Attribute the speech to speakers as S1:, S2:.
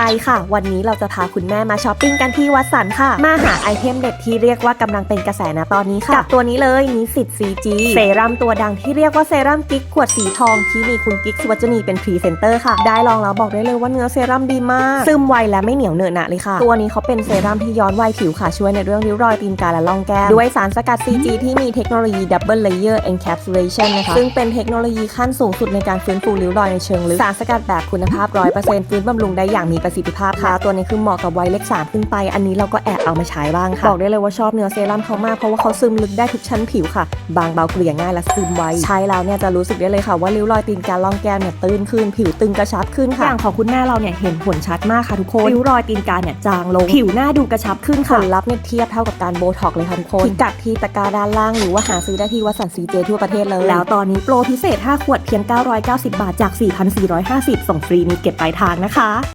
S1: ค่ะวันนี้เราจะพาคุณแม่มาช้อปปิ้งกันที่วัดสันค่ะมาหาไอเทมเด็ดที่เรียกว่ากำลังเป็นกระแสนะตอนนี้ค่ะกับตัวนี้เลยนิสิต CG เซรั่มตัวดังที่เรียกว่าเซรั่มกิ๊กขวดสีทองที่มีคุณกิ๊กสุวรรณีเป็นพรีเซนเตอร์ค่ะได้ลองแล้วบอกได้เลยว่าเนื้อเซรั่มดีมากซึมไวและไม่เหนียวเหนอะหนะเลยค่ะตัวนี้เขาเป็นเซรั่มที่ย้อนวัยผิวค่ะช่วยในเรื่องริ้วรอยตีนกาและร่องแก้มด้วยสารสกัด CG ที่มีเทคโนโลยี Double Layer Encapsulation นะคะซึ่งเป็นเทคโนโลยีขั้นสูงสุดในการฟื้นฟูริ้วรอยในเชิงลึกสารสกัดแบบคุณภาพ 100% ฟื้นบำรุงได้อย่างมีประสิทธิภาพค่ะตัวนี้คือเหมาะกับวัยเลข3ขึ้นไปอันนี้เราก็แอบเอามาใช้บ้างค่ะบอกได้เลยว่าชอบเนื้อเซรั่มเขามากเพราะว่าเขาซึมลึกได้ทุกชั้นผิวค่ะบางเบาเกลี่ยง่ายและซึมไวใช้แล้วเนี่ยจะรู้สึกได้เลยค่ะว่าริ้วรอยตีนกาล่องแก้มเนี่ยตื้นขึ้นผิวตึงกระชับขึ้นค่ะอย่างของคุณแม่เราเนี่ยเห็นผลชัดมากค่ะทุกคนริ้วรอยตีนกาเนี่ยจางลงผิวหน้าดูกระชับขึ้นค่ะผลลัพธ์เนี่ยเทียบเท่ากับการโบท็อกเลยค่ะทุกคนพิกัดที่ตะกร้าด้านล่างหรือว่าหาซื้อได้ที่วัดสัน CJ ทั่วประเทศเลยแล้วตอนนี้โปรพิเศษ5 ขวดเพียง990 บาทจาก 4,450 ส่งฟรีมีเก็บปลายทางนะคะ